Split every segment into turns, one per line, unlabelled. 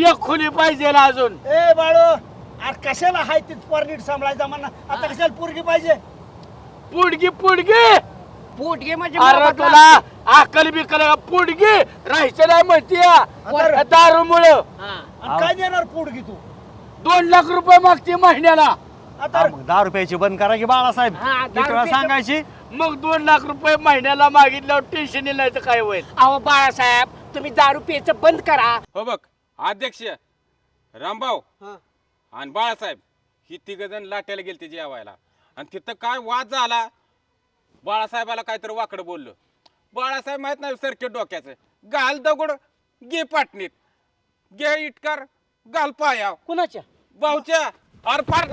एक खुली पाहिजे ना अजून.
ए बाळो अरे कशाला हाय तीच परनीट सांभाळायचा म्हणा आता कशाला पोरगी पाहिजे
पुडगी पुडगी
पोटगे म्हणजे
अरे
मोबदला
तुला अकल बिकल पुडगी राहायचं नाही म्हणते दारूमुळं.
आणि काय देणार पोरगी तू
2 लाख रुपये मागते महिन्याला.
आता
मग 10 रुपयाची बंद करा की बाळासाहेब
हा, 10
ती तुला
रुपयाचं-
सांगायची.
मग 2 लाख रुपये महिन्याला मागितल्यावर टेन्शन नाही तर काय होईल.
अहो बाळासाहेब तुम्ही दारू प्यायचं बंद करा.
हो बघ अध्यक्ष रामभाऊ आणि बाळासाहेब ही तिघ जण लाट्याला गेलते जेवायला आणि तिथं काय वाद झाला. बाळासाहेबाला काहीतरी वाकडं बोललो. बाळासाहेब माहित नाही सरके डोक्याचं घाल दगड घे पाटणीत घे इटकार घाल पाया
कुणाच्या
भाऊच्या अर फार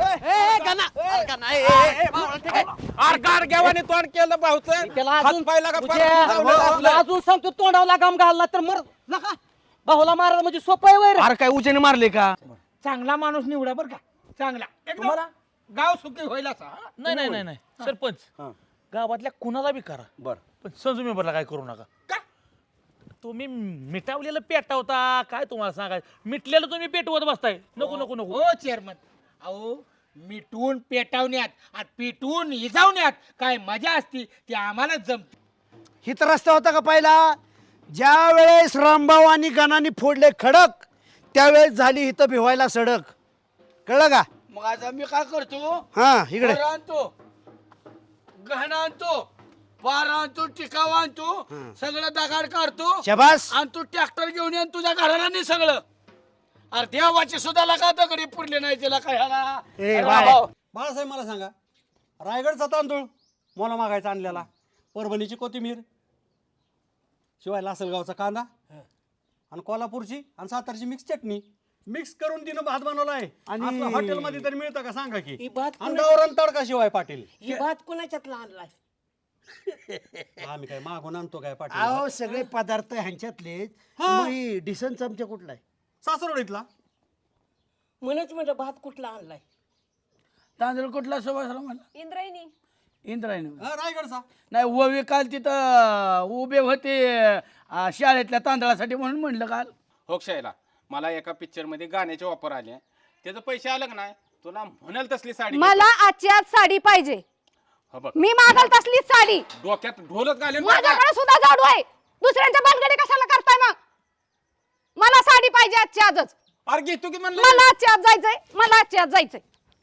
अर गार घेवाने तोंड केलं भाऊचं
त्याला
हात
अजून
पाय लागा
तुला अजून सांगतो तोंडावला गाम घालला तर मर नका भाऊला मारा म्हणजे सोपं आहे वैर.
अरे काय उचेने मारले का?
चांगला माणूस निवडा बरं का चांगला तुम्हाला गाव सुखी होईल असा
नाही नाही नाही नाही सरपंच गावातल्या कुणाला बी करा
बर
पण संजू मेंबरला काय करू नका.
का?
तुम्ही मिटावलेलं पेटवता काय तुम्हाला सांगायचं मिटलेलं तुम्ही पेटवत बसताय. नको नको नको
हो चेअरमन अहो मिटवून पेटवण्यात आणि पिटवून इजावण्यात काय मजा असती ती आम्हालाच जमते. हित रस्ता होता का पहिला ज्या वेळेस रामभाऊ आणि गणाने फोडले खडक त्यावेळेस झाली इथं भिवायला सडक कळलं का?
मग आता मी काय करतो
हा इकडे
वर आणतो गहना आणतो पार आणतो टिकाव आणतो सगळं दगाड काढतो
शबास
आणि तू ट्रॅक्टर घेऊन ये तुझ्या घराला नाही सगळं. अरे देवाची सुद्धा लगा दगडी पुरले नाही त्याला काय ह्याला.
ए,
अरे
बाय.
भाऊ,
बाळासाहेब मला सांगा रायगडचा तांदूळ मोला मागायचा आणलेला परभणीची कोथिंबीर शिवाय लासलगावचा कांदा आणि कोल्हापूरची आणि सातारची मिक्स चटणी मिक्स करून तिनं भात बनवला आहे आणि हॉटेलमध्ये तरी मिळतं का सांगा की
ही भात
अंगावरून तडका शिवाय पाटील
ही भात कुणाच्यातला आणलाय.
आम्ही काय मागून आणतो काय पाटील
अहो सगळे पदार्थ ह्यांच्यातले डिसन चमचा कुठला आहे
सासरवडीतला
म्हणूनच म्हटलं भात कुठला आणलाय.
तांदूळ कुठला सुभाषराव मला
इंद्रायणी
इंद्रायणी
रायगडचा
नाही ओवी काल तिथं उभे होते शाळेतल्या तांदळासाठी म्हणून म्हणलं काल.
होक्षायला मला एका पिक्चर मध्ये गाण्याचे ऑफर आले त्याचे पैसे आलं का नाही तुला म्हणाल तसली साडी
मला आजची आज साडी पाहिजे.
हो बघ
मी मागल तसलीच साडी.
डोक्यात ढोलच घालेन
माझ्याकडे सुद्धा जाडू आहे. दुसऱ्यांच्या बालगडी कशाला करताय मग? मला साडी पाहिजे आजची आजच.
अरे घेतो की म्हणलं
मला आजची आज जायचंय. मला आजची आज जायचंय.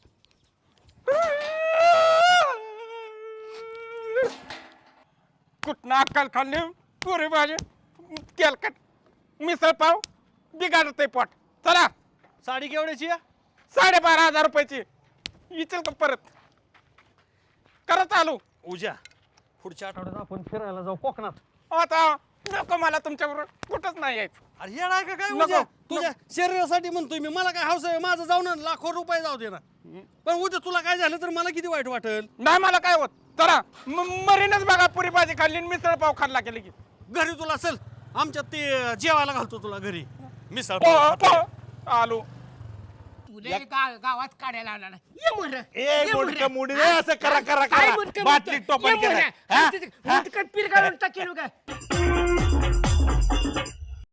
कुठनं अक्कल खाल्ली पुरी भाजी तेलकट मिसळ पाव बिघाडते पोट. चला
साडी केवढ्याची आहे?
12,500 रुपयाची इचल का परत करा चालू.
उद्या पुढच्या आठवड्यात आपण फिरायला जाऊ कोकणात.
आता नको मला तुमच्याबरोबर कुठंच नाही यायचं.
अरे येणार आहे का काय
नको,
उद्या तुझ्या शरीरासाठी म्हणतोय मी मला काय हौस आहे माझं जाऊन लाखो रुपये जाऊ दे ना पण उद्या तुला काय झालं तर मला किती वाईट वाटेल.
नाही मला काय होत. चला मरीनच बघा पुरी भाजी खाल्ली आणि मिसळ पाव खाल्ला केली की
घरी तुला चल आमच्यात ते जेवायला घालतो तुला घरी मिसळ
आलो.
तुला गावात काढायला आला नाही. ये मोरं.
ए
ये मोरं.
मुडकं मुडी रे, असं करा करा
काय
करा
मुडकं
बाटलीत
मुडकं?
टोपण
ये
केलं
मोरं. मुडकं पीर घालून टाकेल काय